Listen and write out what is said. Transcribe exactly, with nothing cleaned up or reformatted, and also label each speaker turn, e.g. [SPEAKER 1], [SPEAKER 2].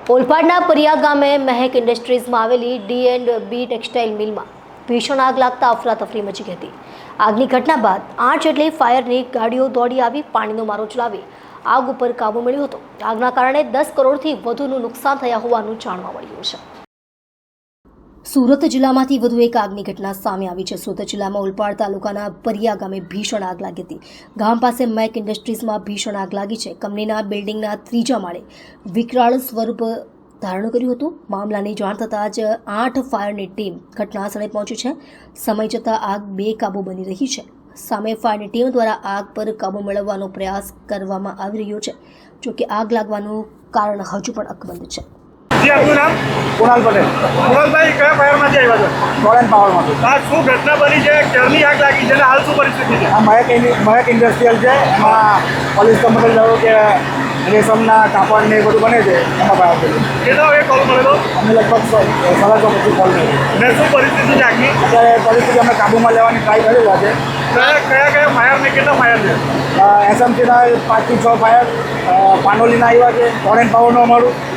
[SPEAKER 1] ઓલપાડના પરિયા ગામે મહેક ઇન્ડસ્ટ્રીઝમાં આવેલી ડી એન્ડ બી ટેક્સટાઇલ મિલમાં ભીષણ આગ લાગતા અફરાતફરી મચી ગઈ હતી। આગની ઘટના બાદ આઠ જેટલી ફાયરની ગાડીઓ દોડી આવી પાણીનો મારો ચલાવી આગ ઉપર કાબુ મેળવ્યો હતો। આગના કારણે દસ કરોડથી વધુનું નુકસાન થયા હોવાનું જાણવા મળ્યું છે। સુરત જિલ્લામાંથી વધુ એક આગની ઘટના સામે આવી છે। સુરત જિલ્લામાં ઓલપાડ તાલુકાના પરિયા ગામે ભીષણ આગ લાગી હતી। ગામ પાસે મેક ઇન્ડસ્ટ્રીઝમાં ભીષણ આગ લાગી છે। કંપનીના બિલ્ડિંગના ત્રીજા માળે વિકરાળ સ્વરૂપ ધારણ કર્યું હતું। મામલાની જાણ થતાં જ આઠ ફાયરની ટીમ ઘટના સ્થળે પહોંચી છે। સમય જતાં આગ બેકાબૂ બની રહી છે। સામે ફાયરની ટીમ દ્વારા આગ પર કાબૂ મેળવવાનો પ્રયાસ કરવામાં આવી રહ્યો છે। જોકે આગ લાગવાનું કારણ હજુ પણ અકબંધ છે।
[SPEAKER 2] जी आपનું નામ?
[SPEAKER 3] કુણાલ પટેલ।
[SPEAKER 2] કુણાલભાઈ કયા ફાયરમાંથી આવ્યા છો?
[SPEAKER 3] ટોરેન્ટ પાવરમાંથી।
[SPEAKER 2] આ શું ઘટના બની છે? ક્યારની આગ લાગી છે અને હાલ શું પરિસ્થિતિ છે?
[SPEAKER 3] આ મહેક ઇન્ડ- મહેક ઇન્ડસ્ટ્રીયલ છે। એમાં પોલીસ કંપની જાણો કે રેશમના કાપડ ને એ બધું બને છે, એમાં ફાયર થયું।
[SPEAKER 2] કેટલા વાગે કોલ મળેલો
[SPEAKER 3] અમે લગભગ સ- સાડા છ પછી કોલ કર્યો।
[SPEAKER 2] ને શું પરિસ્થિતિ છે આગની?
[SPEAKER 3] અત્યારે પરિસ્થિતિ અમે કાબૂમાં લેવાની ટ્રાય કરી રહ્યા છે।
[SPEAKER 2] કયા કયા કયા ફાયર ને કેટલા ફાયર છે?
[SPEAKER 3] એસએમસીના પાંચથી છ ફાયર, પાનોલીના આવ્યા છે, ટોરેન્ટ પાવરનું અમારું